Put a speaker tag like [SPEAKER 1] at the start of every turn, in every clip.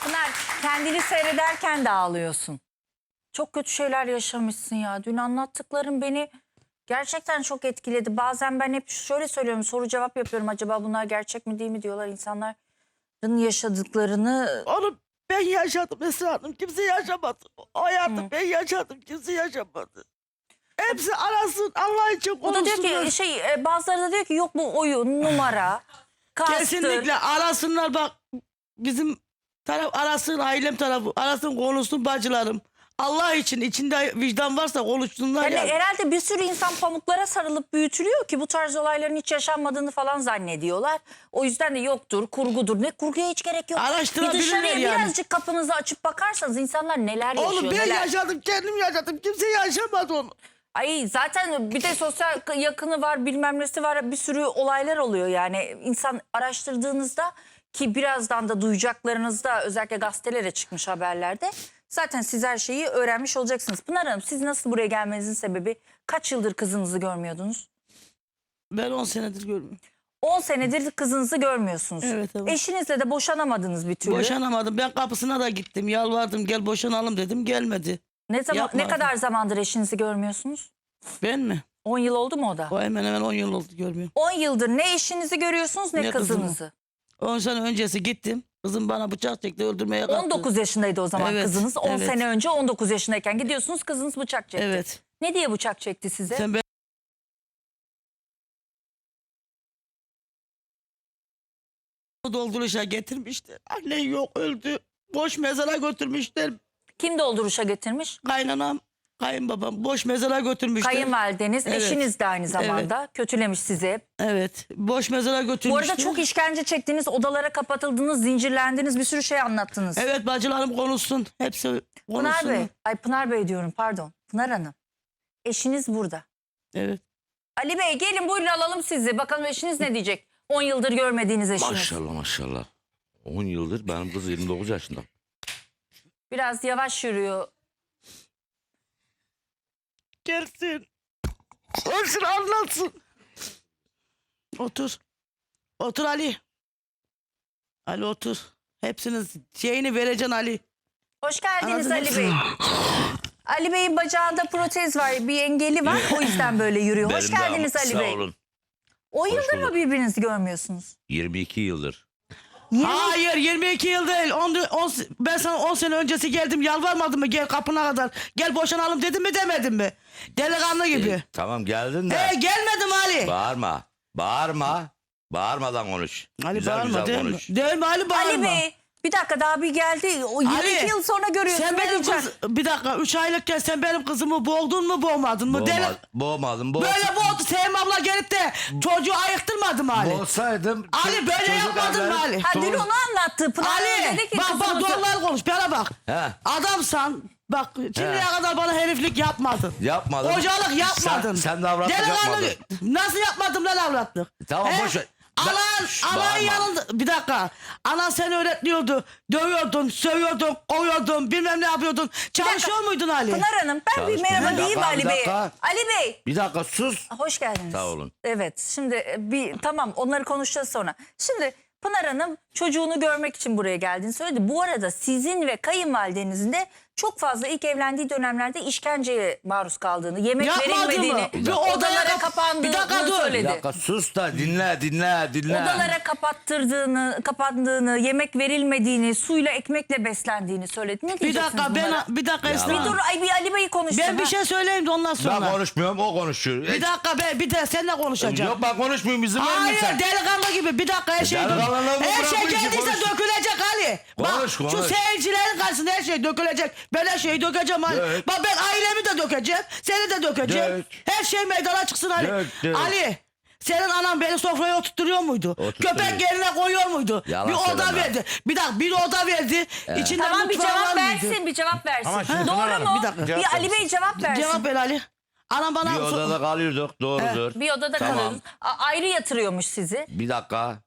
[SPEAKER 1] Pınar, kendini seyrederken de ağlıyorsun. Çok kötü şeyler yaşamışsın ya. Dün anlattıkların beni gerçekten çok etkiledi. Bazen ben hep şöyle söylüyorum, soru cevap yapıyorum. Acaba bunlar gerçek mi değil mi diyorlar. İnsanların yaşadıklarını...
[SPEAKER 2] Onu ben yaşadım Esra Hanım. Kimse yaşamadı. O hayatı ben yaşadım. Kimse yaşamadı. Hepsi arasın. Allah için
[SPEAKER 1] O da diyor
[SPEAKER 2] konuşsunlar.
[SPEAKER 1] ki bazıları da diyor ki yok bu oyun, numara, kastır.
[SPEAKER 2] Kesinlikle arasınlar bak. Bizim taraf arasın, ailem tarafı arasın, konuşsun bacılarım. Allah için içinde vicdan varsa konuşsunlar
[SPEAKER 1] Yani
[SPEAKER 2] yani.
[SPEAKER 1] herhalde bir sürü insan pamuklara sarılıp büyütülüyor ki bu tarz olayların hiç yaşanmadığını falan zannediyorlar. O yüzden de yoktur, kurgudur. Ne kurguya hiç gerek yok. Bir
[SPEAKER 2] Araştırabilirler
[SPEAKER 1] dışarıya
[SPEAKER 2] yani.
[SPEAKER 1] birazcık kapınızı açıp bakarsanız insanlar neler yaşıyor.
[SPEAKER 2] Oğlum ben
[SPEAKER 1] neler.
[SPEAKER 2] yaşadım, kendim yaşadım. Kimse yaşamadı onu.
[SPEAKER 1] Ay zaten bir de sosyal yakını var, bilmem nesi var, bir sürü olaylar oluyor yani. İnsan araştırdığınızda ki birazdan da duyacaklarınızda özellikle gazetelere çıkmış haberlerde zaten siz her şeyi öğrenmiş olacaksınız. Pınar Hanım, siz nasıl buraya gelmenizin sebebi, kaç yıldır kızınızı görmüyordunuz?
[SPEAKER 2] Ben 10 senedir görmüyorum.
[SPEAKER 1] 10 senedir kızınızı görmüyorsunuz.
[SPEAKER 2] Evet, evet.
[SPEAKER 1] Eşinizle de boşanamadınız bir türlü.
[SPEAKER 2] Boşanamadım. Ben kapısına da gittim. Yalvardım, gel boşanalım dedim. Gelmedi.
[SPEAKER 1] Ne
[SPEAKER 2] Yapmadım.
[SPEAKER 1] kadar zamandır eşinizi görmüyorsunuz?
[SPEAKER 2] Ben mi?
[SPEAKER 1] 10 yıl oldu mu o da?
[SPEAKER 2] O hemen hemen 10 yıl oldu görmüyorum.
[SPEAKER 1] 10 yıldır ne eşinizi görüyorsunuz ne
[SPEAKER 2] Ne kızımı.
[SPEAKER 1] kızınızı.
[SPEAKER 2] 10 sene öncesi gittim. Kızım bana bıçak çekti, öldürmeye kalktı.
[SPEAKER 1] 19 yaşındaydı o zaman
[SPEAKER 2] Evet,
[SPEAKER 1] kızınız. 10
[SPEAKER 2] evet.
[SPEAKER 1] sene önce 19 yaşındayken gidiyorsunuz, kızınız bıçak çekti.
[SPEAKER 2] Evet.
[SPEAKER 1] Ne diye bıçak çekti size?
[SPEAKER 2] Sen ben dolduruşa getirmişler. Anne yok, öldü. Boş mezara götürmüşler.
[SPEAKER 1] Kim dolduruşa getirmiş?
[SPEAKER 2] Kaynanam, kayınbabam boş mezara götürmüşler.
[SPEAKER 1] Kayınvalideniz,
[SPEAKER 2] Evet.
[SPEAKER 1] eşiniz de aynı zamanda kötülemiş sizi.
[SPEAKER 2] Evet. Boş mezara götürmüşler.
[SPEAKER 1] Bu arada çok işkence çektiniz, odalara kapatıldınız, zincirlendiniz, bir sürü şey anlattınız.
[SPEAKER 2] Evet, bacılarım konuşsun. Hepsi konuşsun.
[SPEAKER 1] Pınar Bey, Pınar Bey diyorum pardon. Pınar Hanım, eşiniz burada.
[SPEAKER 2] Evet.
[SPEAKER 1] Ali Bey gelin buyurun alalım sizi. Bakalım eşiniz ne diyecek? 10 yıldır görmediğiniz eşiniz.
[SPEAKER 3] Maşallah maşallah. 10 yıldır benim kız 29 yaşında.
[SPEAKER 1] Biraz yavaş yürüyor.
[SPEAKER 2] Gelsin. Olsun, anlatsın. Otur. Otur Ali. Ali otur. Hepsiniz şeyini vereceksin Ali.
[SPEAKER 1] Hoş geldiniz
[SPEAKER 2] Anladınız
[SPEAKER 1] Ali Bey. Ali Bey'in bacağında protez var, bir engeli var. O yüzden böyle yürüyor. Hoş
[SPEAKER 3] Benim de
[SPEAKER 1] geldiniz
[SPEAKER 3] ama
[SPEAKER 1] Ali
[SPEAKER 3] sağ
[SPEAKER 1] Bey.
[SPEAKER 3] olun.
[SPEAKER 1] 10 yıldır mı
[SPEAKER 3] bulduk.
[SPEAKER 1] birbirinizi görmüyorsunuz?
[SPEAKER 3] 22 yıldır.
[SPEAKER 2] Hayır, 22 yıl değil. Ben sana 10 sene öncesi geldim, yalvarmadım mı? Gel kapına kadar. Gel boşanalım dedim mi demedim mi? Delikanlı gibi.
[SPEAKER 3] Tamam geldin de.
[SPEAKER 2] Gelmedim Ali.
[SPEAKER 3] Bağırma. Bağırma. Bağırmadan konuş.
[SPEAKER 2] Ali
[SPEAKER 3] güzel
[SPEAKER 2] bağırma,
[SPEAKER 3] güzel
[SPEAKER 2] değil
[SPEAKER 3] konuş.
[SPEAKER 2] mi? Değil mi Ali, bağırma.
[SPEAKER 1] Ali Bey bir dakika daha bir geldi. O 22
[SPEAKER 2] Ali,
[SPEAKER 1] yıl sonra görüyorsun.
[SPEAKER 2] Sen
[SPEAKER 1] ne
[SPEAKER 2] benim
[SPEAKER 1] diyecek?
[SPEAKER 2] bir dakika, 3 aylıkken sen benim kızımı boğdun mu boğmadın mı?
[SPEAKER 3] Boğmadım.
[SPEAKER 2] Böyle boğdu. Sevim abla gelip de çocuğu ayıktırmadı mı Ali?
[SPEAKER 3] Boğsaydım.
[SPEAKER 2] Ali böyle yapmadın mı Ali?
[SPEAKER 1] Ha dün onu anlattı. Pınar
[SPEAKER 2] Ali
[SPEAKER 1] dedi ki
[SPEAKER 2] bak
[SPEAKER 1] kızımızı-
[SPEAKER 2] doğruları konuş, bana bak.
[SPEAKER 3] He.
[SPEAKER 2] Adamsan bak şimdiye kadar bana heriflik yapmadın.
[SPEAKER 3] Yapmadım.
[SPEAKER 2] Hocalık yapmadın.
[SPEAKER 3] Sen de avratlık
[SPEAKER 2] Delikanlı-
[SPEAKER 3] yapmadın.
[SPEAKER 2] Nasıl yapmadım lan avratlık?
[SPEAKER 3] Tamam,
[SPEAKER 2] He?
[SPEAKER 3] boş ver.
[SPEAKER 2] Anan
[SPEAKER 3] Bağırma.
[SPEAKER 2] yanında bir dakika. Anan seni öğretmiyordu. Dövüyordun, sövüyordun, kovuyordun, bilmem ne yapıyordun. Çalışıyor muydun Ali?
[SPEAKER 1] Pınar Hanım ben bir
[SPEAKER 3] Çalışmıyor.
[SPEAKER 1] merhaba
[SPEAKER 3] Bir
[SPEAKER 1] diyeyim
[SPEAKER 3] dakika,
[SPEAKER 1] Ali
[SPEAKER 3] bir
[SPEAKER 1] Bey.
[SPEAKER 3] dakika.
[SPEAKER 1] Ali Bey.
[SPEAKER 3] Bir dakika sus.
[SPEAKER 1] Hoş geldiniz.
[SPEAKER 3] Sağ olun.
[SPEAKER 1] Evet şimdi tamam onları konuşacağız sonra. Şimdi Pınar Hanım çocuğunu görmek için buraya geldiğini söyledi. Bu arada sizin ve kayınvalidenizin de çok fazla ilk evlendiği dönemlerde işkenceye maruz kaldığını, yemek
[SPEAKER 2] Yapmadı
[SPEAKER 1] verilmediğini,
[SPEAKER 2] mı? Bir odaya
[SPEAKER 1] odalara kapandığını
[SPEAKER 2] bir dakika dur.
[SPEAKER 3] Bir
[SPEAKER 1] söyledi.
[SPEAKER 3] dakika sus da dinle.
[SPEAKER 1] Odalara kapandığını, yemek verilmediğini, suyla ekmekle beslendiğini söyledi. Ne
[SPEAKER 2] Bir
[SPEAKER 1] diyeceksiniz
[SPEAKER 2] dakika
[SPEAKER 1] bunlara?
[SPEAKER 2] bir dakika Esra.
[SPEAKER 1] Bir dur bir Ali Bey'i konuşsun.
[SPEAKER 2] Ben bir
[SPEAKER 1] ha.
[SPEAKER 2] şey söyleyeyim de ondan sonra.
[SPEAKER 3] Ben konuşmuyorum, o konuşuyor.
[SPEAKER 2] Bir dakika bir de seninle konuşacağım.
[SPEAKER 3] Yok ben konuşmuyorum, izin
[SPEAKER 2] Hayır
[SPEAKER 3] vermiyorsan.
[SPEAKER 2] delikanlı gibi bir dakika her şey
[SPEAKER 3] Delikanlılığımı
[SPEAKER 2] her şey
[SPEAKER 3] bırakmayın ki,
[SPEAKER 2] geldiyse
[SPEAKER 3] konuş.
[SPEAKER 2] dökülecek Ali.
[SPEAKER 3] Konuş,
[SPEAKER 2] Bak şu
[SPEAKER 3] konuş.
[SPEAKER 2] seyircilerin karşısında her şey dökülecek. Ben her şeyi dökeceğim Ali.
[SPEAKER 3] Dök.
[SPEAKER 2] Bak ben ailemi de dökeceğim. Seni de dökeceğim.
[SPEAKER 3] Dök.
[SPEAKER 2] Her şey meydana çıksın Ali.
[SPEAKER 3] Dök.
[SPEAKER 2] Ali senin anan beni sofraya oturtturuyor muydu?
[SPEAKER 3] Oturtturuyor.
[SPEAKER 2] Köpek yerine koyuyor muydu?
[SPEAKER 3] Yalan
[SPEAKER 2] bir oda
[SPEAKER 3] söyleme.
[SPEAKER 2] verdi. Bir dakika bir oda verdi. İçinde
[SPEAKER 1] Tamam bir
[SPEAKER 2] mutfağı var
[SPEAKER 1] cevap
[SPEAKER 2] mıydı?
[SPEAKER 1] versin, bir cevap versin.
[SPEAKER 3] Ama şimdi
[SPEAKER 1] Doğru
[SPEAKER 3] Pınar Hanım,
[SPEAKER 1] mu?
[SPEAKER 2] bir dakika.
[SPEAKER 1] Bir Ali Bey cevap versin.
[SPEAKER 2] Cevap ver Ali. Anam bana
[SPEAKER 3] Bir odada kalıyorduk, doğrudur.
[SPEAKER 1] Bir odada
[SPEAKER 3] Tamam.
[SPEAKER 1] kalıyorsunuz. Ayrı yatırıyormuş sizi.
[SPEAKER 3] Bir dakika.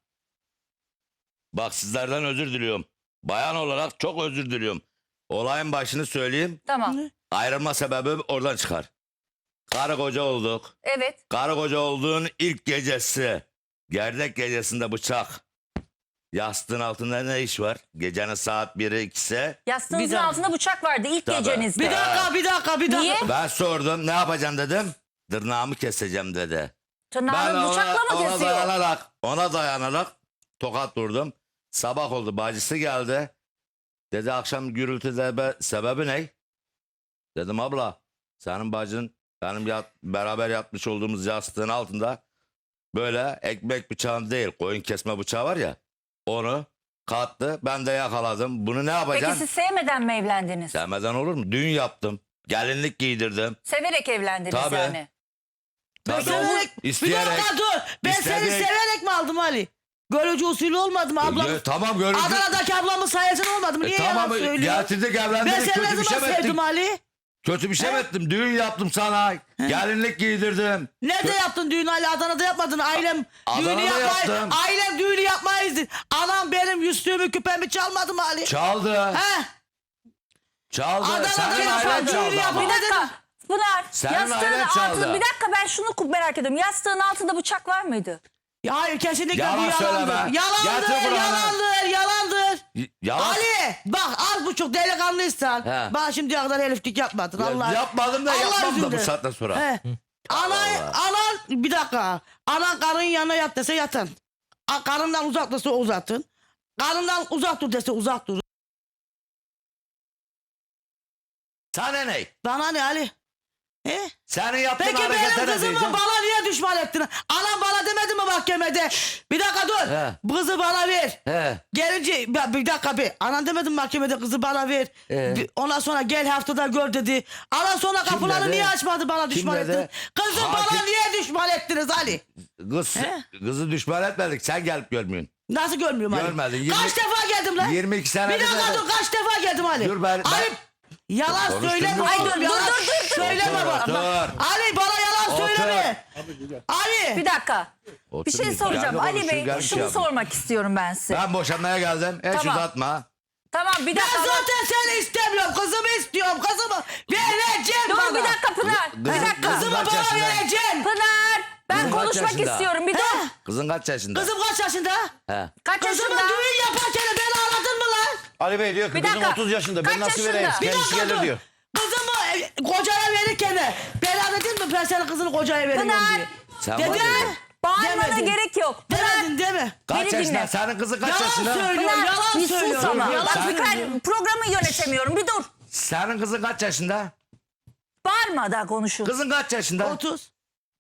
[SPEAKER 3] Bak sizlerden özür diliyorum. Bayan olarak çok özür diliyorum. Olayın başını söyleyeyim.
[SPEAKER 1] Tamam.
[SPEAKER 3] Ayrılma sebebi oradan çıkar. Karı koca olduk.
[SPEAKER 1] Evet.
[SPEAKER 3] Karı koca olduğun ilk gecesi. Gerdek gecesinde bıçak. Yastığın altında ne iş var? Gecenin saat 1'i 2'si.
[SPEAKER 1] Yastığınızın
[SPEAKER 2] Bir dakika.
[SPEAKER 1] altında bıçak vardı ilk
[SPEAKER 3] Tabii.
[SPEAKER 1] gecenizde.
[SPEAKER 2] Bir dakika.
[SPEAKER 1] Niye?
[SPEAKER 3] Ben sordum ne yapacaksın dedim. Tırnağımı keseceğim dedi.
[SPEAKER 1] Tırnağını bıçakla mı kesiyor?
[SPEAKER 3] Ona dayanarak tokat vurdum. Sabah oldu, bacısı geldi. Dedi akşam gürültü sebebi ne? Dedim abla senin bacın benim beraber yatmış olduğumuz yastığın altında böyle ekmek bıçağı değil, koyun kesme bıçağı var ya, onu kattı. Ben de yakaladım. Bunu ne
[SPEAKER 1] Peki
[SPEAKER 3] yapacaksın?
[SPEAKER 1] siz sevmeden mi evlendiniz?
[SPEAKER 3] Sevmeden olur mu? Düğün yaptım. Gelinlik giydirdim.
[SPEAKER 1] Severek evlendiniz
[SPEAKER 3] Tabii.
[SPEAKER 1] yani.
[SPEAKER 3] Tabii.
[SPEAKER 2] Severek, bir
[SPEAKER 3] İsteyerek.
[SPEAKER 2] dakika dur. Ben seni
[SPEAKER 3] İstedik.
[SPEAKER 2] severek mi aldım Ali? Görücü usulü olmadı mı ablam?
[SPEAKER 3] Tamam görüntü.
[SPEAKER 2] Adana'daki ablamın sayesinde olmadı mı? Niye
[SPEAKER 3] Tamam
[SPEAKER 2] yalan söylüyor?
[SPEAKER 3] getirdik
[SPEAKER 2] Ben
[SPEAKER 3] evlendirdik.
[SPEAKER 2] seni ne
[SPEAKER 3] Kötü bir şey
[SPEAKER 2] zaman
[SPEAKER 3] mi ettim?
[SPEAKER 2] sevdim Ali?
[SPEAKER 3] Kötü bir şey mi ettim? Düğün yaptım sana. Gelinlik giydirdim.
[SPEAKER 2] Nerede yaptın düğünü Ali? Adana'da yapmadın. Ailem
[SPEAKER 3] Adana'da
[SPEAKER 2] düğünü yapmayı,
[SPEAKER 3] yaptım.
[SPEAKER 2] ailem düğünü yapmayızdı. Anam benim yüzüğümü küpemi çalmadı mı Ali?
[SPEAKER 3] Çaldı.
[SPEAKER 2] He?
[SPEAKER 3] Çaldı.
[SPEAKER 2] Adana'da
[SPEAKER 3] Senin
[SPEAKER 2] yapan
[SPEAKER 3] ailen
[SPEAKER 2] düğünü
[SPEAKER 3] çaldı
[SPEAKER 2] yapan-
[SPEAKER 3] ama.
[SPEAKER 1] Bir dakika. Pınar,
[SPEAKER 3] Senin
[SPEAKER 1] yastığın
[SPEAKER 3] ailen
[SPEAKER 1] altında,
[SPEAKER 3] çaldı.
[SPEAKER 1] bir dakika ben şunu merak ediyorum. Yastığın altında bıçak var mıydı?
[SPEAKER 2] Ya hayır kesinlikle
[SPEAKER 3] Yalan
[SPEAKER 2] bu yalandır.
[SPEAKER 3] söyleme.
[SPEAKER 2] Yalandır,
[SPEAKER 3] Getir Kur'an'ı.
[SPEAKER 2] yalandır.
[SPEAKER 3] Yalan.
[SPEAKER 2] Ali bak az buçuk delikanlıysan.
[SPEAKER 3] He.
[SPEAKER 2] Bak şimdiye kadar heriflik yapmadın Allah.
[SPEAKER 3] Yapmadım da
[SPEAKER 2] Allah
[SPEAKER 3] yapmam da bu
[SPEAKER 2] yüzünden.
[SPEAKER 3] saatten sonra.
[SPEAKER 2] He. Anan bir dakika. Anan karının yanına yat dese yatın. Karından uzak dese uzatın. Karından uzak dur dese uzak dur.
[SPEAKER 3] Sana ne?
[SPEAKER 2] Bana ne Ali? He?
[SPEAKER 3] Senin yaptığın
[SPEAKER 2] Peki benim
[SPEAKER 3] harekete ne
[SPEAKER 2] kızımı
[SPEAKER 3] diyeceğim?
[SPEAKER 2] bana niye düşman ettin? Anam bana demedi mi mahkemede? Bir dakika dur.
[SPEAKER 3] He.
[SPEAKER 2] Kızı bana ver.
[SPEAKER 3] He.
[SPEAKER 2] Gelince bir dakika bir. Anan demedi mi mahkemede kızı bana ver. Ondan sonra gel haftada gör dedi. Anan sonra kapıları
[SPEAKER 3] dedi?
[SPEAKER 2] niye açmadı bana
[SPEAKER 3] Kim
[SPEAKER 2] düşman
[SPEAKER 3] dedi?
[SPEAKER 2] ettin? Kızı
[SPEAKER 3] Hakim-
[SPEAKER 2] bana niye düşman ettiniz Ali?
[SPEAKER 3] Kızı düşman etmedik. Sen gelip görmüyorsun.
[SPEAKER 2] Nasıl görmüyorum Ali?
[SPEAKER 3] Görmedin, 20
[SPEAKER 2] Kaç defa geldim lan?
[SPEAKER 3] 22 sene
[SPEAKER 2] Bir dakika dur kaç defa geldim Ali?
[SPEAKER 3] Dur ben-
[SPEAKER 2] Ali yalan
[SPEAKER 3] Konuştun
[SPEAKER 2] söyleme.
[SPEAKER 3] mu?
[SPEAKER 2] Ay
[SPEAKER 3] Dur,
[SPEAKER 2] dur yalan söyleme
[SPEAKER 3] Otur,
[SPEAKER 2] bana.
[SPEAKER 3] otur.
[SPEAKER 2] Ali bana yalan
[SPEAKER 3] Otur.
[SPEAKER 2] söyleme. Ali.
[SPEAKER 1] Bir dakika.
[SPEAKER 3] Otur
[SPEAKER 1] Bir şey
[SPEAKER 3] bir
[SPEAKER 1] soracağım.
[SPEAKER 3] kendi
[SPEAKER 1] Ali
[SPEAKER 3] konuşsun,
[SPEAKER 1] Bey
[SPEAKER 3] gel bir
[SPEAKER 1] şunu
[SPEAKER 3] şey yap.
[SPEAKER 1] sormak istiyorum ben size.
[SPEAKER 3] Ben boşanmaya geldim. Hiç
[SPEAKER 1] Tamam.
[SPEAKER 3] uzatma.
[SPEAKER 1] Tamam bir
[SPEAKER 2] Ben
[SPEAKER 1] dakika.
[SPEAKER 2] zaten seni istemiyorum. Kızımı istiyorum. Kızımı vereceğim
[SPEAKER 1] Dur
[SPEAKER 2] bana.
[SPEAKER 1] bir dakika Pınar. Bir dakika.
[SPEAKER 2] Kızımı
[SPEAKER 3] Kaç
[SPEAKER 2] bana
[SPEAKER 3] yaşında?
[SPEAKER 2] vereceksin.
[SPEAKER 1] Pınar. Ben
[SPEAKER 3] Kızım kaç
[SPEAKER 1] konuşmak
[SPEAKER 3] yaşında?
[SPEAKER 1] istiyorum. Bir dur.
[SPEAKER 3] Kızın kaç yaşında?
[SPEAKER 2] Kızım kaç yaşında?
[SPEAKER 3] He.
[SPEAKER 1] Kaç
[SPEAKER 2] Kızımı
[SPEAKER 1] yaşında?
[SPEAKER 2] düğün yaparken beni aradın mı lan?
[SPEAKER 4] Ali Bey diyor ki
[SPEAKER 1] Bir
[SPEAKER 4] kızım
[SPEAKER 1] dakika.
[SPEAKER 4] 30 yaşında
[SPEAKER 1] Kaç
[SPEAKER 4] ben nasıl
[SPEAKER 1] yaşında?
[SPEAKER 4] vereyim?
[SPEAKER 1] Bir
[SPEAKER 4] Kendisi
[SPEAKER 2] dakika
[SPEAKER 4] gelir
[SPEAKER 2] dur.
[SPEAKER 4] diyor.
[SPEAKER 2] Kızımı kocaya verirken beni aradın mı? Ben senin kızını kocaya veriyorum
[SPEAKER 1] Pınar.
[SPEAKER 2] diye.
[SPEAKER 3] Sen
[SPEAKER 2] Dedin.
[SPEAKER 3] bana dedin.
[SPEAKER 1] Bağırmana
[SPEAKER 2] Demedin.
[SPEAKER 1] gerek yok.
[SPEAKER 2] Demedin değil mi?
[SPEAKER 3] Kaç
[SPEAKER 1] Beni
[SPEAKER 3] yaşında?
[SPEAKER 1] dinle.
[SPEAKER 3] Senin kızın kaç
[SPEAKER 2] Yalan
[SPEAKER 3] yaşında?
[SPEAKER 2] söylüyor.
[SPEAKER 1] Pınar
[SPEAKER 2] Yalan
[SPEAKER 1] bir sus
[SPEAKER 2] söylüyor.
[SPEAKER 1] ama.
[SPEAKER 2] Yalan
[SPEAKER 1] Bak
[SPEAKER 2] söylüyor.
[SPEAKER 1] ben programı yönetemiyorum. Bir dur.
[SPEAKER 3] Senin kızın kaç yaşında?
[SPEAKER 1] Bağırma da konuşun.
[SPEAKER 3] Kızın kaç yaşında?
[SPEAKER 2] 30.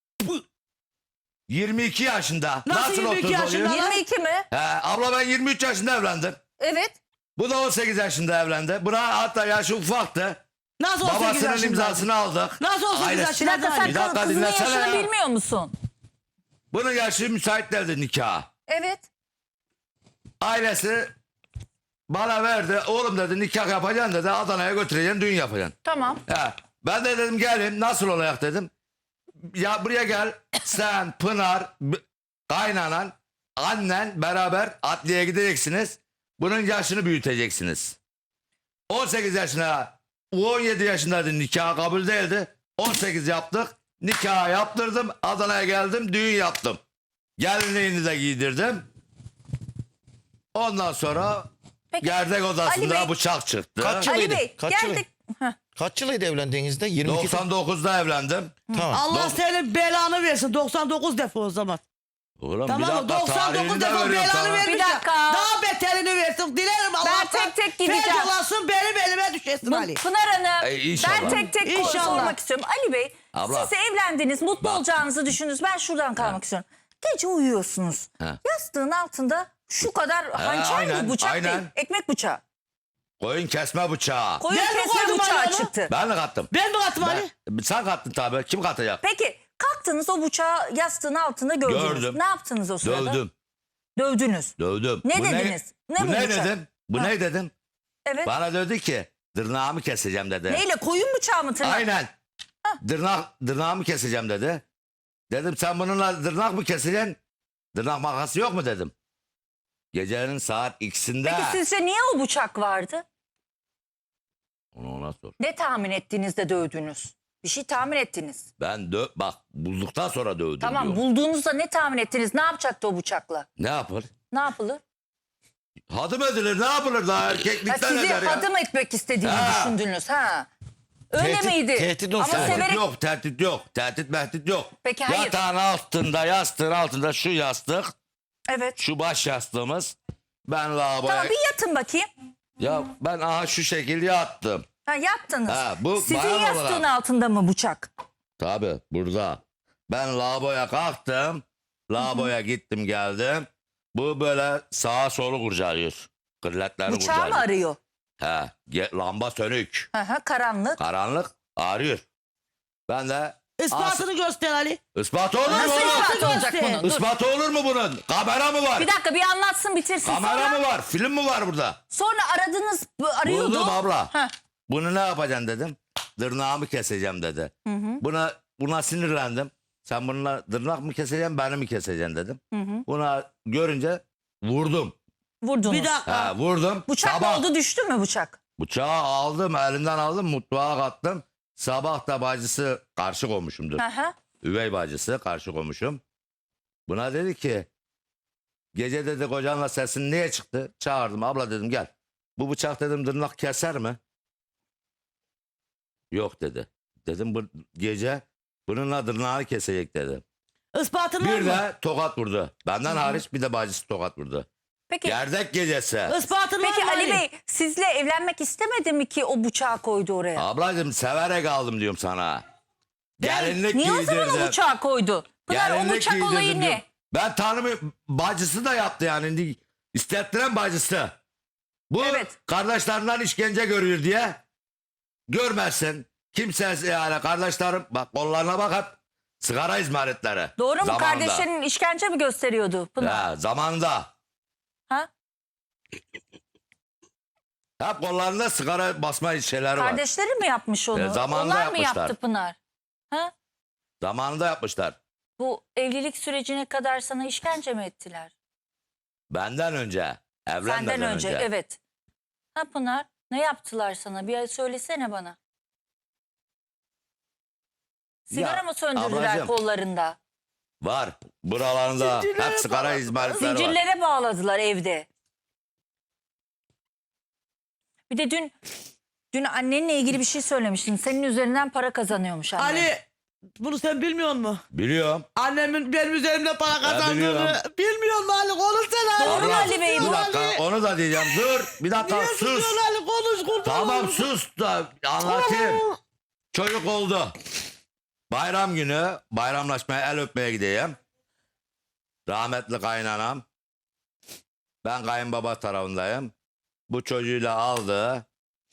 [SPEAKER 3] 22 yaşında.
[SPEAKER 2] Nasıl 22
[SPEAKER 3] 30
[SPEAKER 2] yaşında?
[SPEAKER 3] oluyor?
[SPEAKER 1] 22 mi?
[SPEAKER 3] He, abla ben 23 yaşında evlendim.
[SPEAKER 1] Evet.
[SPEAKER 3] Bu da 18 yaşında evlendi. Buna hatta yaşı ufaktı.
[SPEAKER 2] Nasıl 18
[SPEAKER 3] Babasının
[SPEAKER 2] yaşında?
[SPEAKER 3] imzasını aldık.
[SPEAKER 2] Nasıl 18
[SPEAKER 3] Ailesi-
[SPEAKER 1] Bir
[SPEAKER 2] yaşında?
[SPEAKER 1] dakika sen
[SPEAKER 3] Bir dakika,
[SPEAKER 1] kızının
[SPEAKER 3] dinlesene
[SPEAKER 1] yaşını
[SPEAKER 3] ya.
[SPEAKER 1] bilmiyor musun?
[SPEAKER 3] Bunun yaşı müsait değildi nikaha.
[SPEAKER 1] Evet.
[SPEAKER 3] Ailesi bana verdi. Oğlum dedi nikah yapacaksın dedi. Adana'ya götüreceksin düğün yapacaksın.
[SPEAKER 1] Tamam.
[SPEAKER 3] He. Ben de dedim gelin nasıl olacak dedim. Ya buraya gel sen Pınar kaynanan annen beraber adliyeye gideceksiniz. Bunun yaşını büyüteceksiniz. 18 yaşına 17 yaşındaydı nikah kabul değildi. 18 yaptık. Nikah yaptırdım. Adana'ya geldim düğün yaptım. Gelinliğini de giydirdim. Ondan sonra
[SPEAKER 1] Peki,
[SPEAKER 3] gerdek
[SPEAKER 1] Ali
[SPEAKER 3] odasında
[SPEAKER 1] Bey-
[SPEAKER 3] bıçak çıktı.
[SPEAKER 4] Kaç
[SPEAKER 1] Ali
[SPEAKER 4] yılıydı?
[SPEAKER 1] Bey
[SPEAKER 4] Kaç
[SPEAKER 1] geldik. Heh.
[SPEAKER 4] Kaç yılıydı evlendiğinizde? 22.
[SPEAKER 3] 99'da evlendim.
[SPEAKER 4] Tamam.
[SPEAKER 2] Allah senin belanı versin. 99 defa o zaman.
[SPEAKER 3] Oğlum
[SPEAKER 2] Tamam mı? 99 defa belanı vermiş.
[SPEAKER 1] Bir
[SPEAKER 2] ya.
[SPEAKER 1] dakika.
[SPEAKER 2] Daha beterini versin. Dilerim Allah'tan.
[SPEAKER 1] tek tek gideceğim.
[SPEAKER 2] Feyzolasın benim elime düşesin Ali.
[SPEAKER 1] Pınar Hanım
[SPEAKER 3] inşallah.
[SPEAKER 1] ben tek tek
[SPEAKER 2] İnşallah.
[SPEAKER 1] sormak istiyorum. Ali Bey
[SPEAKER 3] Abla.
[SPEAKER 1] siz evlendiniz mutlu
[SPEAKER 3] Bak.
[SPEAKER 1] olacağınızı düşündünüz. Ben şuradan kalmak istiyorum. Gece uyuyorsunuz.
[SPEAKER 3] Ha.
[SPEAKER 1] Yastığın altında şu kadar hançer
[SPEAKER 3] aynen,
[SPEAKER 1] mi bıçak
[SPEAKER 3] aynen.
[SPEAKER 1] değil ekmek bıçağı.
[SPEAKER 3] Koyun kesme bıçağı.
[SPEAKER 1] Koyun
[SPEAKER 2] Ben mi
[SPEAKER 1] kesme
[SPEAKER 2] koydum
[SPEAKER 1] bıçağı
[SPEAKER 2] Ali onu?
[SPEAKER 1] çıktı.
[SPEAKER 3] Ben mi kattım?
[SPEAKER 2] Ben mi kattım Ali?
[SPEAKER 3] Sen kattın tabii. Kim katacak?
[SPEAKER 1] Peki kalktınız o bıçağı yastığın altında gördünüz.
[SPEAKER 3] Gördüm.
[SPEAKER 1] Ne yaptınız o sırada?
[SPEAKER 3] Dövdüm.
[SPEAKER 1] Dövdünüz.
[SPEAKER 3] Dövdüm.
[SPEAKER 1] Ne
[SPEAKER 3] Bu
[SPEAKER 1] dediniz? Ne
[SPEAKER 3] bu
[SPEAKER 1] bu
[SPEAKER 3] ne
[SPEAKER 1] bıçak?
[SPEAKER 3] dedim? Bu
[SPEAKER 1] Ha.
[SPEAKER 3] ne dedim?
[SPEAKER 1] Evet.
[SPEAKER 3] Bana dedi ki tırnağımı keseceğim dedi.
[SPEAKER 1] Neyle koyun bıçağı mı tırnak?
[SPEAKER 3] Aynen. Tırnağımı keseceğim dedi. Dedim sen bununla tırnak mı keseceksin? Tırnak makası yok mu dedim. Gecenin saat ikisinde.
[SPEAKER 1] Peki sizce niye o bıçak vardı?
[SPEAKER 3] Onu ona sor.
[SPEAKER 1] Ne tahmin ettiniz de dövdünüz? Bir şey tahmin ettiniz.
[SPEAKER 3] Ben bak bulduktan sonra dövdüm
[SPEAKER 1] Tamam
[SPEAKER 3] diyor.
[SPEAKER 1] bulduğunuzda ne tahmin ettiniz? Ne yapacaktı o bıçakla?
[SPEAKER 3] Ne yapar?
[SPEAKER 1] Ne yapılır?
[SPEAKER 3] Hadım edilir, ne yapılır daha
[SPEAKER 1] Ha,
[SPEAKER 3] erkeklikten
[SPEAKER 1] sizi
[SPEAKER 3] eder ya.
[SPEAKER 1] hadım etmek istediğini
[SPEAKER 3] Ha.
[SPEAKER 1] düşündünüz ha. Öyle
[SPEAKER 4] Tehdit-
[SPEAKER 1] miydi?
[SPEAKER 4] tehdit
[SPEAKER 1] Ama
[SPEAKER 4] olsa-
[SPEAKER 3] Tehdit
[SPEAKER 1] severek
[SPEAKER 3] yok, tehdit yok. Tehdit mehdit yok.
[SPEAKER 1] Peki, hayır.
[SPEAKER 3] Yatağın altında, yastığın altında şu yastık,
[SPEAKER 1] evet.
[SPEAKER 3] şu baş yastığımız. Ben lavaboya...
[SPEAKER 1] Tamam bir yatın bakayım.
[SPEAKER 3] Ya ben aha şu şekilde yattım.
[SPEAKER 1] Ha yattınız.
[SPEAKER 3] Ha, bu
[SPEAKER 1] Sizin
[SPEAKER 3] bayan
[SPEAKER 1] yastığın
[SPEAKER 3] olarak.
[SPEAKER 1] altında mı bıçak?
[SPEAKER 3] Tabii burada. Ben lavaboya kalktım. Lavaboya gittim geldim. Bu böyle sağa solu kurcalıyor. Kırletlerini
[SPEAKER 1] Bıçağı mı
[SPEAKER 3] kurcalıyor.
[SPEAKER 1] arıyor?
[SPEAKER 3] He, lamba sönük.
[SPEAKER 1] Hı hı, karanlık.
[SPEAKER 3] Karanlık ağrıyor. Ben de
[SPEAKER 2] Ispatını göster Ali.
[SPEAKER 3] ispat olur mu
[SPEAKER 1] Nasıl
[SPEAKER 3] bunun?
[SPEAKER 1] ispat olacak
[SPEAKER 2] göster.
[SPEAKER 1] bunun? Dur.
[SPEAKER 3] Ispat olur mu bunun? Kamera mı var?
[SPEAKER 1] Bir dakika bir anlatsın bitirsin.
[SPEAKER 3] Kamera
[SPEAKER 1] Sonra,
[SPEAKER 3] mı var? Film mi var burada?
[SPEAKER 1] sonra aradınız arıyordu.
[SPEAKER 3] Buldum abla.
[SPEAKER 1] Ha.
[SPEAKER 3] Bunu ne yapacaksın dedim. Tırnağımı keseceğim dedi. Buna sinirlendim. Sen bununla tırnak mı keseceksin, beni mi keseceksin dedim. Buna görünce vurdum.
[SPEAKER 1] Vurdunuz.
[SPEAKER 2] Bir dakika.
[SPEAKER 3] Ha, vurdum.
[SPEAKER 1] Bıçak
[SPEAKER 3] Sabah
[SPEAKER 1] oldu düştü mü bıçak?
[SPEAKER 3] bıçağı aldım, elimden aldım, mutfağa kattım. Sabah da bacısı karşı komşumdur.
[SPEAKER 1] Hı hı.
[SPEAKER 3] Üvey bacısı karşı komşum. Buna dedi ki gece dedi kocanla sesin niye çıktı? Çağırdım, abla dedim gel. Bu bıçak dedim tırnak keser mi? Yok dedi. Dedim bu gece bununla tırnağını kesecek dedi.
[SPEAKER 2] Ispatın var
[SPEAKER 3] Bir
[SPEAKER 2] mı?
[SPEAKER 3] de tokat vurdu. Benden hariç bir de bacısı tokat vurdu.
[SPEAKER 1] Peki,
[SPEAKER 3] Gerdek gecesi.
[SPEAKER 2] Ispatın var
[SPEAKER 1] peki
[SPEAKER 2] mı
[SPEAKER 1] Ali Bey sizle evlenmek istemedi mi ki o bıçağı koydu oraya?
[SPEAKER 3] Ablacığım severek aldım diyorum sana. Gelinlik
[SPEAKER 1] Niye o zaman o
[SPEAKER 3] giydirdim.
[SPEAKER 1] bıçağı koydu? Pınar o
[SPEAKER 3] Gelinlik
[SPEAKER 1] bıçak
[SPEAKER 3] giydirdim
[SPEAKER 1] olayı
[SPEAKER 3] diyorum.
[SPEAKER 1] ne?
[SPEAKER 3] Ben tanımıyorum. Bacısı da yaptı yani. İstettiren bacısı. Bu
[SPEAKER 1] Evet.
[SPEAKER 3] kardeşlerinden işkence görüyor diye. Görmezsin. Kimse yani kardeşlerim bak kollarına bak hep sigara izmaritleri.
[SPEAKER 1] Doğru mu?
[SPEAKER 3] Zamanında.
[SPEAKER 1] Kardeşlerin işkence mi gösteriyordu Pınar?
[SPEAKER 3] Ya, zamanında.
[SPEAKER 1] Ha?
[SPEAKER 3] Hep kollarında sigara basma şeyleri var.
[SPEAKER 1] Kardeşleri mi yapmış onu?
[SPEAKER 3] zamanında
[SPEAKER 1] Onlar mı
[SPEAKER 3] yapmışlar.
[SPEAKER 1] yaptı Pınar? Ha?
[SPEAKER 3] Zamanında yapmışlar.
[SPEAKER 1] Bu evlilik sürecine kadar sana işkence mi ettiler?
[SPEAKER 3] Benden önce. Evlenmeden
[SPEAKER 1] Senden önce
[SPEAKER 3] önce.
[SPEAKER 1] evet. Ha Pınar ne yaptılar sana? Bir söylesene bana. Sigara
[SPEAKER 3] Ya,
[SPEAKER 1] mı söndürdüler
[SPEAKER 3] ablacığım,
[SPEAKER 1] kollarında?
[SPEAKER 3] var. Buralarında hep sigara izmaritleri var.
[SPEAKER 1] Zincirlere bağladılar evde. Bir de dün annenle ilgili bir şey söylemiştin. Senin üzerinden para kazanıyormuş anne.
[SPEAKER 2] Ali bunu sen bilmiyor musun?
[SPEAKER 3] Biliyorum.
[SPEAKER 2] Annemin benim üzerimde para kazandığını
[SPEAKER 3] biliyorum.
[SPEAKER 2] bilmiyor musun Ali? Konuşsana.
[SPEAKER 1] Doğru mu
[SPEAKER 3] Abla,
[SPEAKER 1] Ali Bey?
[SPEAKER 3] Bir
[SPEAKER 1] Bu-
[SPEAKER 3] dakika onu da diyeceğim. Dur bir dakika
[SPEAKER 2] Niye
[SPEAKER 3] sus.
[SPEAKER 2] susuyorsun Ali? Konuş kurban
[SPEAKER 3] Tamam
[SPEAKER 2] olayım.
[SPEAKER 3] sus da anlatayım. Çocuk oldu. Bayram günü bayramlaşmaya el öpmeye gideyim. Rahmetli kaynanam. Ben kayınbaba tarafındayım. Bu çocuğuyla aldı.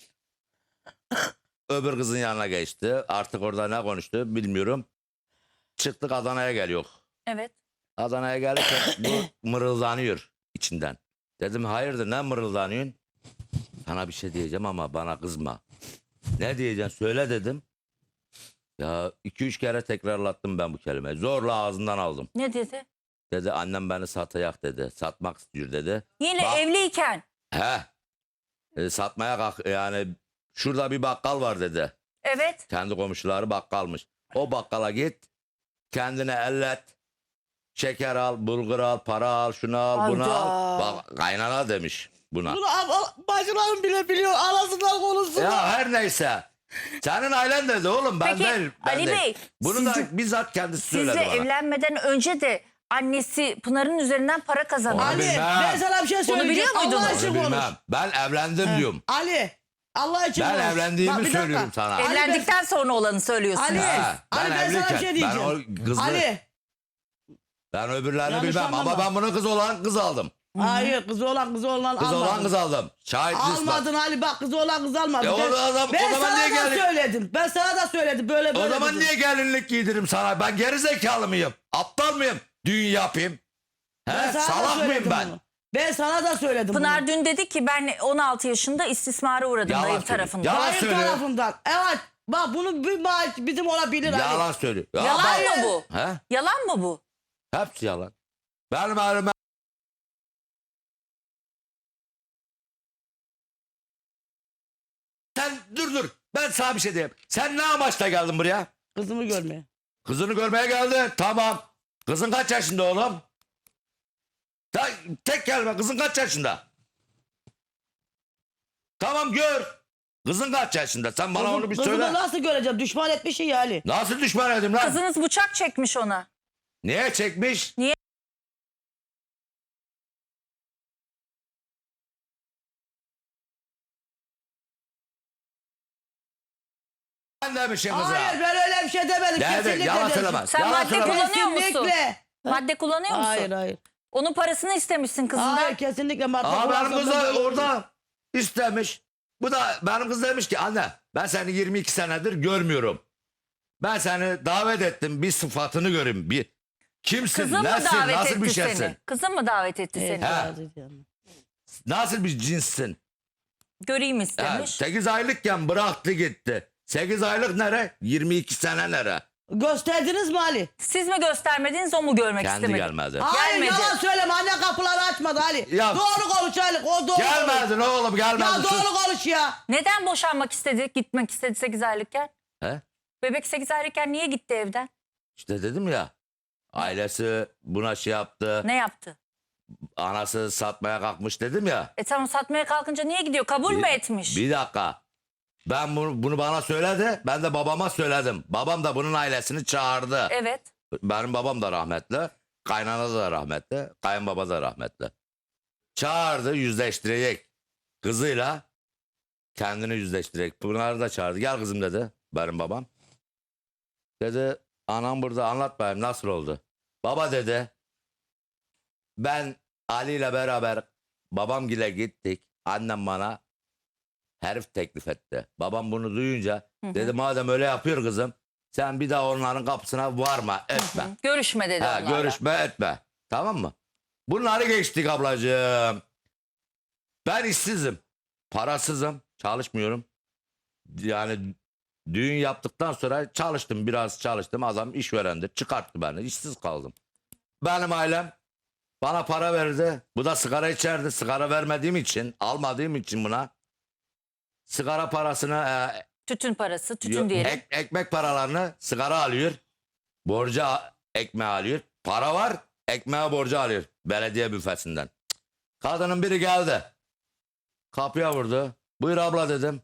[SPEAKER 3] Öbür kızın yanına geçti. Artık orada ne konuştu bilmiyorum. Çıktık Adana'ya geliyor.
[SPEAKER 1] Evet.
[SPEAKER 3] Adana'ya gelirken bu mırıldanıyor içinden. Dedim hayırdır ne mırıldanıyorsun? Sana bir şey diyeceğim ama bana kızma. Ne diyeceksin söyle dedim. Ya 2-3 kere tekrarlattım ben bu kelimeyi. Zorla ağzından aldım.
[SPEAKER 1] Ne dedi?
[SPEAKER 3] Dedi annem beni satacak dedi. Satmak istiyor dedi.
[SPEAKER 1] Yine
[SPEAKER 3] Bak-
[SPEAKER 1] evliyken.
[SPEAKER 3] He. Satmaya kalk yani şurada bir bakkal var dedi.
[SPEAKER 1] Evet.
[SPEAKER 3] Kendi komşuları bakkalmış. O bakkala git. Kendine ellet. Şeker al, bulgur al, para al, şunu al, bunu
[SPEAKER 1] Hayda.
[SPEAKER 3] al. Bak kaynana demiş buna.
[SPEAKER 2] Bunu bacılarım bile biliyor. Arasından konuşsunlar.
[SPEAKER 3] Ya her neyse. Senin ailen dedi oğlum ben
[SPEAKER 1] Peki,
[SPEAKER 3] değil. Ben
[SPEAKER 1] Ali
[SPEAKER 3] değil.
[SPEAKER 1] Bey,
[SPEAKER 3] Bunu
[SPEAKER 1] sizin-
[SPEAKER 3] da bizzat kendisi söyledi
[SPEAKER 1] Sizle
[SPEAKER 3] bana.
[SPEAKER 1] evlenmeden önce de annesi Pınar'ın üzerinden para kazanıyor.
[SPEAKER 3] Onu
[SPEAKER 2] Ali
[SPEAKER 3] bilmem.
[SPEAKER 2] ben sana bir şey söyleyeceğim.
[SPEAKER 1] biliyor muydun?
[SPEAKER 2] Allah
[SPEAKER 1] Onu
[SPEAKER 2] için
[SPEAKER 3] Onu
[SPEAKER 2] konuş.
[SPEAKER 3] bilmem. Ben evlendim diyorum.
[SPEAKER 2] Ali Allah için
[SPEAKER 3] Ben
[SPEAKER 2] konuş.
[SPEAKER 3] evlendiğimi
[SPEAKER 2] Bak, bir dakika.
[SPEAKER 3] söylüyorum sana.
[SPEAKER 2] Ali,
[SPEAKER 1] Evlendikten sonra olanı söylüyorsunuz.
[SPEAKER 2] Ali,
[SPEAKER 3] Ha,
[SPEAKER 2] Ali, ben sana bir şey
[SPEAKER 3] ben
[SPEAKER 2] diyeceğim.
[SPEAKER 3] o kızı,
[SPEAKER 2] Ali.
[SPEAKER 3] ben öbürlerini
[SPEAKER 2] Yanlış
[SPEAKER 3] bilmem
[SPEAKER 2] anlama.
[SPEAKER 3] ama ben bunu kız olan kız aldım.
[SPEAKER 2] Hayır kız olan
[SPEAKER 3] Kız
[SPEAKER 2] almadın.
[SPEAKER 3] olan kız aldım. Şahit
[SPEAKER 2] Almadın Ali bak kız olan kız almadın.
[SPEAKER 3] E, o zaman
[SPEAKER 2] ben
[SPEAKER 3] niye
[SPEAKER 2] sana da
[SPEAKER 3] geldin?
[SPEAKER 2] söyledim. Ben sana da söyledim böyle böyle.
[SPEAKER 3] O zaman
[SPEAKER 2] dedim.
[SPEAKER 3] niye gelinlik giydiririm sana? Ben geri zekalı mıyım? Aptal mıyım? Düğün yapayım.
[SPEAKER 2] Ben
[SPEAKER 3] He?
[SPEAKER 2] sana da
[SPEAKER 3] Salak mıyım
[SPEAKER 2] söyledim
[SPEAKER 3] ben?
[SPEAKER 2] bunu. Ben sana da söyledim
[SPEAKER 1] Pınar
[SPEAKER 2] bunu.
[SPEAKER 1] dün dedi ki ben 16 yaşında istismara uğradım
[SPEAKER 3] Yalan
[SPEAKER 1] dayım
[SPEAKER 3] söylüyor.
[SPEAKER 1] tarafından.
[SPEAKER 3] Yalan
[SPEAKER 2] Hayır
[SPEAKER 3] söylüyor.
[SPEAKER 2] tarafından. Evet. Bak bunu bizim olabilir Ali.
[SPEAKER 3] Yalan söylüyor. Ya
[SPEAKER 1] Yalan
[SPEAKER 3] ben-
[SPEAKER 1] mı bu?
[SPEAKER 3] He?
[SPEAKER 1] Yalan mı bu?
[SPEAKER 3] Hepsi yalan. Benim elime sen dur. Ben sana bir şey diyeyim. Sen ne amaçla geldin buraya?
[SPEAKER 2] Kızımı görmeye.
[SPEAKER 3] Kızını görmeye geldin. Tamam. Kızın kaç yaşında oğlum? Tek kelime. Kızın kaç yaşında? Tamam gör. Kızın kaç yaşında? Sen bana onu bir
[SPEAKER 2] Kızımı
[SPEAKER 3] söyle.
[SPEAKER 2] nasıl göreceğim? Düşman etmişsin ya Ali.
[SPEAKER 3] Nasıl düşman edeyim lan?
[SPEAKER 1] Kızınız bıçak çekmiş ona.
[SPEAKER 3] Niye çekmiş? Ben demişim kıza.
[SPEAKER 2] Hayır ben öyle bir şey demedim.
[SPEAKER 3] Nerede?
[SPEAKER 2] Kesinlikle
[SPEAKER 3] Yalan
[SPEAKER 2] demedim.
[SPEAKER 3] söyleme.
[SPEAKER 1] Sen
[SPEAKER 3] Yalan
[SPEAKER 1] madde
[SPEAKER 3] söyleme.
[SPEAKER 1] kullanıyor musun?
[SPEAKER 2] Kesinlikle.
[SPEAKER 1] Madde kullanıyor musun?
[SPEAKER 2] Hayır hayır.
[SPEAKER 1] Onun parasını istemişsin kızından.
[SPEAKER 2] Hayır kesinlikle madde
[SPEAKER 3] Aa, benim
[SPEAKER 2] kullansam
[SPEAKER 3] kız da
[SPEAKER 2] da böyle olur.
[SPEAKER 3] orada istemiş. Bu da benim kız demiş ki anne ben seni 22 senedir görmüyorum. Ben seni davet ettim bir sıfatını göreyim. Bir kimsin,
[SPEAKER 1] Kızın mı
[SPEAKER 3] nesin,
[SPEAKER 1] davet
[SPEAKER 3] nasıl
[SPEAKER 1] etti
[SPEAKER 3] bir
[SPEAKER 1] seni?
[SPEAKER 3] şeysin?
[SPEAKER 1] Kızın mı davet etti
[SPEAKER 2] Evet,
[SPEAKER 1] seni?
[SPEAKER 3] He.
[SPEAKER 2] razı ediyorum.
[SPEAKER 3] Nasıl bir cinssin?
[SPEAKER 1] Göreyim
[SPEAKER 3] Ha,
[SPEAKER 1] istemiş.
[SPEAKER 3] 8 aylıkken bıraktı gitti. 8 aylık nere? 22 sene nere?
[SPEAKER 2] Gösterdiniz mi Ali?
[SPEAKER 1] Siz mi göstermediniz, o mu görmek
[SPEAKER 3] Kendi
[SPEAKER 1] istemedi?
[SPEAKER 3] gelmedi.
[SPEAKER 2] Hayır
[SPEAKER 1] Gelmedi.
[SPEAKER 2] yalan söyleme. Anne kapıları açmadı Ali.
[SPEAKER 3] Ya-
[SPEAKER 2] Doğru konuş Ali. O doğru konuş.
[SPEAKER 3] Gelmedin oğlum gelmedin.
[SPEAKER 2] Ya
[SPEAKER 3] sus.
[SPEAKER 2] doğru konuş ya.
[SPEAKER 1] Neden boşanmak istedi, gitmek istedi 8 aylıkken?
[SPEAKER 3] He?
[SPEAKER 1] Bebek 8 aylıkken niye gitti evden?
[SPEAKER 3] İşte dedim ya. Ailesi buna şey yaptı.
[SPEAKER 1] Ne yaptı?
[SPEAKER 3] Anası satmaya kalkmış dedim ya.
[SPEAKER 1] Tamam, satmaya kalkınca niye gidiyor? Kabul mü etmiş?
[SPEAKER 3] Bir dakika. Ben bunu bana söyledi. Ben de babama söyledim. Babam da bunun ailesini çağırdı.
[SPEAKER 1] Evet.
[SPEAKER 3] Benim babam da rahmetli. Kaynana da rahmetli. Kayınbaba da rahmetli. Çağırdı yüzleştirecek. Kızıyla kendini yüzleştirecek. Pınar'ı da çağırdı. Gel kızım dedi benim babam. Dedi anam burada anlat bakayım nasıl oldu. Baba dedi ben Ali ile beraber babamgile gittik. Annem bana herif teklif etti. Babam bunu duyunca dedi madem öyle yapıyor kızım sen bir daha onların kapısına varma etme.
[SPEAKER 1] Görüşme dedi
[SPEAKER 3] Ha,
[SPEAKER 1] onlarla.
[SPEAKER 3] görüşme etme. Tamam mı? Bunları geçtik ablacığım. Ben işsizim. Parasızım. Çalışmıyorum. Yani düğün yaptıktan sonra çalıştım. Biraz çalıştım. Adam işverendi. Çıkarttı beni. İşsiz kaldım. Benim ailem bana para verdi. Bu da sigara içerdi. Sigara vermediğim için, almadığım için buna sigara parasını
[SPEAKER 1] Tütün parası, tütün diyelim.
[SPEAKER 3] ekmek paralarını sigara alıyor. Borca ekmeği alıyor. Para var ekmeğe borcu alıyor. Belediye büfesinden. Kadının biri geldi. Kapıya vurdu. Buyur abla dedim.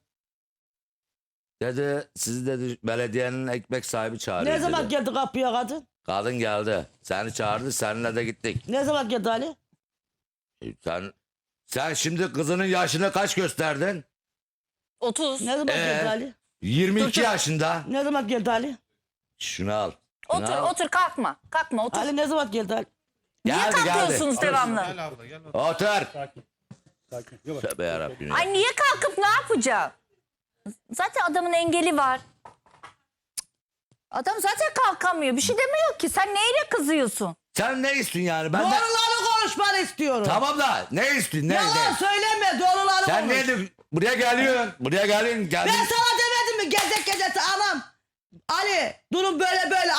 [SPEAKER 3] Dedi sizi dedi belediyenin ekmek sahibi çağırıyor
[SPEAKER 2] Ne zaman
[SPEAKER 3] dedi.
[SPEAKER 2] geldi kapıya kadın?
[SPEAKER 3] Kadın geldi. Seni çağırdı seninle de gittik.
[SPEAKER 2] Ne zaman geldi Ali?
[SPEAKER 3] Sen şimdi kızının yaşını kaç gösterdin?
[SPEAKER 1] 30.
[SPEAKER 2] Ne zaman geldi Ali?
[SPEAKER 3] 22 yaşında.
[SPEAKER 2] Ne zaman geldi Ali?
[SPEAKER 3] Şunu al. Şunu
[SPEAKER 1] Otur,
[SPEAKER 3] al.
[SPEAKER 1] otur, kalkma. Kalkma, otur.
[SPEAKER 2] Ali ne zaman geldi Ali?
[SPEAKER 1] Niye
[SPEAKER 3] Geldi,
[SPEAKER 1] kalkıyorsunuz
[SPEAKER 3] geldi.
[SPEAKER 1] devamlı?
[SPEAKER 3] Otur.
[SPEAKER 5] Sakin. Yavaş.
[SPEAKER 3] Tövbe yarabbim ya.
[SPEAKER 1] Ay niye kalkıp ne yapacağım? Zaten adamın engeli var. Adam zaten kalkamıyor. Bir şey demiyor ki. Sen neyle kızıyorsun?
[SPEAKER 3] Sen ne istiyorsun yani? Ben de...
[SPEAKER 2] Doğruları konuşmanı istiyorum.
[SPEAKER 3] Tamam da ne istiyorsun? Ne?
[SPEAKER 2] Yalan
[SPEAKER 3] ne?
[SPEAKER 2] söyleme doğruları
[SPEAKER 3] Sen
[SPEAKER 2] konuş.
[SPEAKER 3] ne diyorsun? Buraya geliyorsun. Buraya geliyorsun.
[SPEAKER 2] Ben sana demedim mi gezek gecesi anam? Ali durum böyle böyle.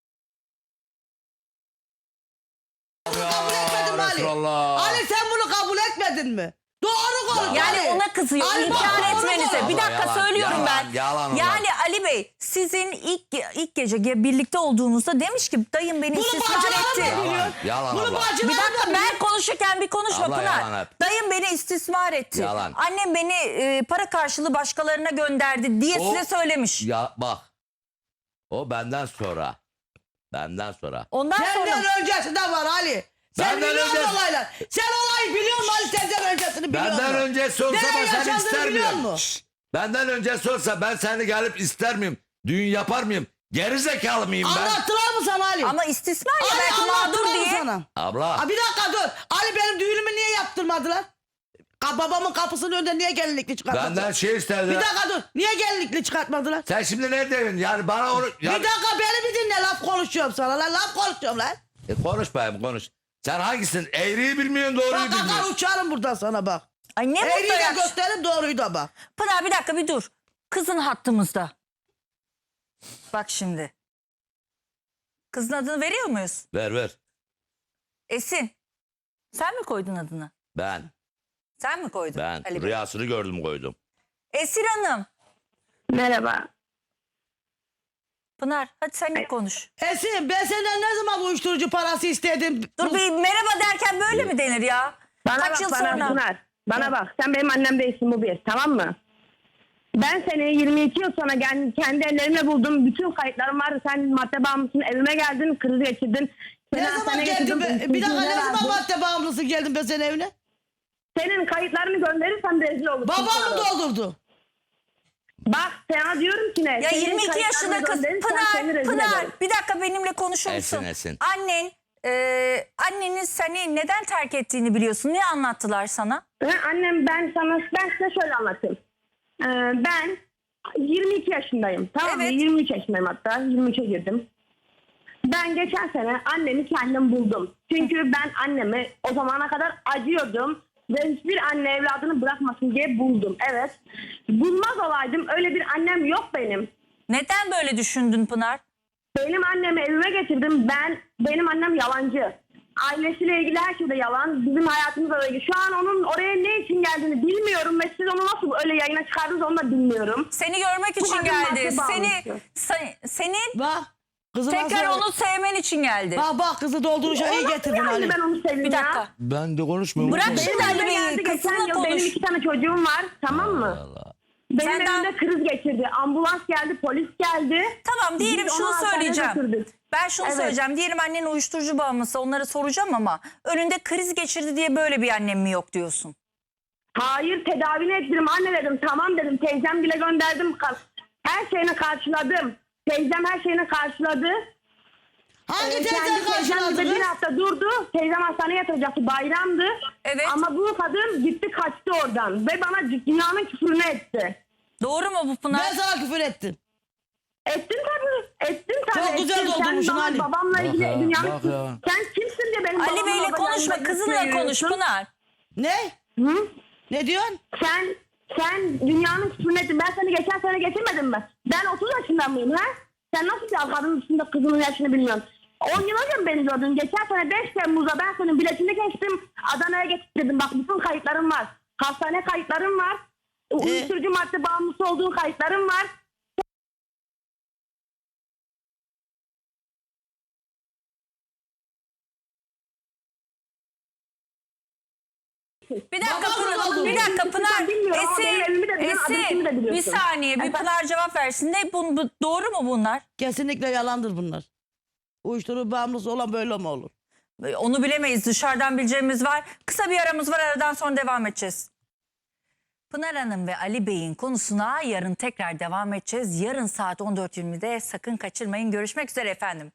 [SPEAKER 2] Bunu kabul etmedin mi Ali?
[SPEAKER 3] Resulallah.
[SPEAKER 2] Ali sen bunu kabul etmedin mi? Doğru konuş
[SPEAKER 1] Yani
[SPEAKER 2] Ali.
[SPEAKER 1] ona kızıyor.
[SPEAKER 2] Ali, bak,
[SPEAKER 1] İnkar
[SPEAKER 2] doğru
[SPEAKER 1] etmenize.
[SPEAKER 2] konuş.
[SPEAKER 1] Bir dakika
[SPEAKER 3] Yalan,
[SPEAKER 1] söylüyorum
[SPEAKER 3] yalan,
[SPEAKER 1] ben.
[SPEAKER 3] yalan onlar.
[SPEAKER 1] Yani Ali Bey sizin ilk gece birlikte olduğunuzda demiş ki dayım beni
[SPEAKER 2] Bunu
[SPEAKER 1] istismar
[SPEAKER 2] bacılarım
[SPEAKER 1] etti.
[SPEAKER 2] da biliyor.
[SPEAKER 3] Yalan, yalan
[SPEAKER 2] Bunu
[SPEAKER 3] abla.
[SPEAKER 2] bacılarım
[SPEAKER 1] Bir dakika
[SPEAKER 2] da
[SPEAKER 1] ben konuşurken bir konuşma
[SPEAKER 3] Abla, yalan
[SPEAKER 1] Pınar.
[SPEAKER 3] hep.
[SPEAKER 1] Dayım beni istismar etti.
[SPEAKER 3] Yalan.
[SPEAKER 1] Annem beni para karşılığı başkalarına gönderdi diye
[SPEAKER 3] O-
[SPEAKER 1] size söylemiş.
[SPEAKER 3] Ya bak. O benden sonra. Benden sonra.
[SPEAKER 1] Ondan sonra
[SPEAKER 2] Senden öncesi de var Ali. Sen
[SPEAKER 3] Benden
[SPEAKER 2] biliyorsun
[SPEAKER 3] önce-
[SPEAKER 2] olaylar. Sen olayı biliyor musun Ali? Senden öncesini biliyor musun?
[SPEAKER 3] Benden öncesi olsa
[SPEAKER 2] Nereye
[SPEAKER 3] ben seni
[SPEAKER 2] yaşadığını
[SPEAKER 3] ister
[SPEAKER 2] biliyor
[SPEAKER 3] miyim?
[SPEAKER 2] musun?
[SPEAKER 3] Şşş. Benden öncesi olsa ben seni gelip ister miyim? Düğün yapar mıyım? Geri zekalı mıyım ben?
[SPEAKER 2] Anlattılar mı sana Ali?
[SPEAKER 1] ama istismar ya
[SPEAKER 2] Ali
[SPEAKER 1] belki mağdur
[SPEAKER 2] anlattılar mı
[SPEAKER 1] diye.
[SPEAKER 2] sana?
[SPEAKER 3] Abla.
[SPEAKER 2] Ha, bir dakika dur. Ali benim düğünümü niye yaptırmadılar? Babamın kapısının önünde niye gelinlikli çıkartmadılar?
[SPEAKER 3] Benden şey istedi.
[SPEAKER 2] Bir dakika dur. Niye gelinlikli çıkartmadılar?
[SPEAKER 3] Sen şimdi ne diyorsun? Yani bana onu...
[SPEAKER 2] Bir dakika beni bir dinle laf konuşuyorum sana lan. Laf konuşuyorum lan.
[SPEAKER 3] Konuş bayım konuş. Sen hangisin? Eğriyi bilmiyorsun doğruyu
[SPEAKER 2] Bak kakar
[SPEAKER 3] bilmiyorsun.
[SPEAKER 2] uçarım buradan sana bak.
[SPEAKER 1] Ay ne
[SPEAKER 2] Eğriyi
[SPEAKER 1] mutlu
[SPEAKER 2] de
[SPEAKER 1] ya.
[SPEAKER 2] gösteririm doğruyu da bak.
[SPEAKER 1] Pınar bir dakika bir dur. Kızın hattımızda. Bak şimdi. Kızın adını veriyor muyuz?
[SPEAKER 3] Ver.
[SPEAKER 1] Esin. Sen mi koydun adını?
[SPEAKER 3] Ben.
[SPEAKER 1] Sen mi koydun? Ali Bey?
[SPEAKER 3] Rüyasını gördüm koydum.
[SPEAKER 1] Esin Hanım.
[SPEAKER 6] Merhaba.
[SPEAKER 1] Pınar hadi sen de konuş.
[SPEAKER 2] Esin ben senden ne zaman bu uyuşturucu parası istedim?
[SPEAKER 1] Dur bir merhaba derken böyle mi denir ya?
[SPEAKER 6] Bana
[SPEAKER 1] Kaç
[SPEAKER 6] bak
[SPEAKER 1] yıl
[SPEAKER 6] bana
[SPEAKER 1] sonra?
[SPEAKER 6] Pınar. Bana bak, sen benim annem değilsin, bu bir, tamam mı? Ben seni 22 yıl sonra kendi ellerimle buldum. Bütün kayıtlarım var. Sen madde bağımlısın, evime geldin, kriz geçirdin. Seni
[SPEAKER 2] Ne zaman
[SPEAKER 6] hastaneye
[SPEAKER 2] geldin
[SPEAKER 6] getirdim,
[SPEAKER 2] be? Bir dakika, ne
[SPEAKER 6] uyuşturucuya
[SPEAKER 2] zaman
[SPEAKER 6] verdim.
[SPEAKER 2] madde bağımlısı geldin be senin evine?
[SPEAKER 6] Senin kayıtlarını gönderirsem rezil olursun.
[SPEAKER 2] Babam mı
[SPEAKER 6] sana.
[SPEAKER 2] doldurdu?
[SPEAKER 6] Bak sana diyorum ki ne?
[SPEAKER 1] Ya
[SPEAKER 6] Senin
[SPEAKER 1] 22
[SPEAKER 6] kayıtlarını
[SPEAKER 1] yaşında kız
[SPEAKER 6] gönderirsem seni
[SPEAKER 1] Pınar,
[SPEAKER 6] rezil
[SPEAKER 1] Pınar
[SPEAKER 6] ederim.
[SPEAKER 1] bir dakika benimle konuşur musun?
[SPEAKER 3] Esin.
[SPEAKER 1] Annen, annenin seni neden terk ettiğini biliyorsun. Ne anlattılar sana?
[SPEAKER 6] Annem ben size şöyle anlatayım. Ben 22 yaşındayım. Tamam mı?
[SPEAKER 1] Evet.
[SPEAKER 6] 23 yaşındayım hatta. 23'e girdim. Ben geçen sene annemi kendim buldum. Çünkü ben annemi o zamana kadar acıyordum. Ve hiçbir anne evladını bırakmasın diye buldum. Evet. Bulmaz olaydım. Öyle bir annem yok benim.
[SPEAKER 1] Neden böyle düşündün Pınar?
[SPEAKER 6] Benim annemi evime getirdim. Benim annem yalancı. Ailesiyle ilgili her şeyde yalan. Bizim hayatımızla ilgili. Şu an onun oraya ne için geldiğini bilmiyorum. Ve siz onu nasıl öyle yayına çıkardınız onu da bilmiyorum.
[SPEAKER 1] Seni görmek için
[SPEAKER 6] kadın
[SPEAKER 1] geldi.
[SPEAKER 6] madde bağımlısı.
[SPEAKER 1] Senin
[SPEAKER 2] Bak. Kızı
[SPEAKER 1] tekrar
[SPEAKER 2] nasıl-
[SPEAKER 1] onu sevmen için geldi.
[SPEAKER 2] Bak kızı dolduruşa iyi
[SPEAKER 6] O nasıl
[SPEAKER 2] getirdin
[SPEAKER 6] yani
[SPEAKER 2] Ali.
[SPEAKER 6] ben onu seveyim
[SPEAKER 1] Bir
[SPEAKER 6] ya?
[SPEAKER 1] dakika.
[SPEAKER 3] Ben de konuşmuyorum.
[SPEAKER 1] Bırak
[SPEAKER 3] Unutma.
[SPEAKER 1] şimdi
[SPEAKER 6] Benim
[SPEAKER 1] Ali
[SPEAKER 6] evime
[SPEAKER 1] Bey'i,
[SPEAKER 6] geldi geçen
[SPEAKER 1] kızınla
[SPEAKER 6] yıl. Benim
[SPEAKER 1] konuş.
[SPEAKER 6] 2 tane çocuğum var. Tamam mı? Benim
[SPEAKER 1] Senden-
[SPEAKER 6] evimde kriz geçirdi. Ambulans geldi, polis geldi.
[SPEAKER 1] Tamam diyelim
[SPEAKER 6] Biz onu
[SPEAKER 1] şunu
[SPEAKER 6] hastaneye
[SPEAKER 1] söyleyeceğim.
[SPEAKER 6] götürdük.
[SPEAKER 1] Ben şunu
[SPEAKER 6] Evet.
[SPEAKER 1] söyleyeceğim. Diyelim annen uyuşturucu bağımlısı, onları soracağım ama önünde kriz geçirdi diye böyle bir annem mi yok diyorsun?
[SPEAKER 6] Hayır, tedavini ettirdim. Anne dedim, tamam dedim. Teyzem bile gönderdim. Her şeyini karşıladım. Teyzem her şeyini karşıladı.
[SPEAKER 2] Hangi
[SPEAKER 6] Kendi
[SPEAKER 2] teyzen
[SPEAKER 6] teyzem
[SPEAKER 2] karşıladı
[SPEAKER 6] bir
[SPEAKER 2] kız?
[SPEAKER 6] hafta durdu. Teyzem hastaneye yatıracaktı. Bayramdı.
[SPEAKER 1] Evet.
[SPEAKER 6] Ama bu kadın gitti kaçtı oradan. Ve bana dünyanın küfrünü etti.
[SPEAKER 1] Doğru mu bu Pınar?
[SPEAKER 2] Ben sana küfür ettim.
[SPEAKER 6] Ettin tabii. Ettin tabii.
[SPEAKER 2] Çok güzel
[SPEAKER 6] ettin.
[SPEAKER 2] doldurmuşsun
[SPEAKER 6] Sen bana
[SPEAKER 2] Ali.
[SPEAKER 6] babamla ilgili
[SPEAKER 3] ya,
[SPEAKER 6] dünyanın...
[SPEAKER 3] bak ya.
[SPEAKER 6] Sen kimsin diye benim
[SPEAKER 1] Ali
[SPEAKER 6] babamla
[SPEAKER 1] Bey'le
[SPEAKER 6] babamla
[SPEAKER 1] konuşma,
[SPEAKER 6] ilgili
[SPEAKER 1] kızınla konuş
[SPEAKER 6] söylüyorsun?
[SPEAKER 1] Pınar.
[SPEAKER 2] Ne?
[SPEAKER 6] Hı?
[SPEAKER 2] Ne diyorsun?
[SPEAKER 6] Sen dünyanın küfrünü ettin. Ben seni geçen sene getirmedim mi? Ben 30 yaşında mıyım ha? Sen nasıl bir kadının üstünde kızının yaşını bilmiyorsun? 10 yıl önce mi beni gördün? Geçen sene 5 Temmuz'da ben senin biletini geçtim. Adana'ya getirdim. Bak bütün kayıtlarım var. Hastane kayıtlarım var. Uyuşturucu madde bağımlısı olduğun kayıtlarım var.
[SPEAKER 1] Bir dakika
[SPEAKER 2] Babam
[SPEAKER 1] Pınar,
[SPEAKER 2] oldu.
[SPEAKER 1] bir dakika Pınar.
[SPEAKER 6] Ben bilmiyorum ama benim evimi de biliyorsun, adresimi de
[SPEAKER 1] Esin, bir
[SPEAKER 6] biliyorsun.
[SPEAKER 1] saniye, bir
[SPEAKER 6] Efendim?
[SPEAKER 1] Pınar cevap versin. Ne bu doğru mu bunlar?
[SPEAKER 2] Kesinlikle yalandır bunlar. Uyuşturucu bağımlısı olan böyle mi olur?
[SPEAKER 1] Onu bilemeyiz. Dışarıdan bileceğimiz var. Kısa bir aramız var. Aradan sonra devam edeceğiz. Pınar Hanım ve Ali Bey'in konusuna yarın tekrar devam edeceğiz. Yarın saat 14.20'de sakın kaçırmayın. Görüşmek üzere efendim.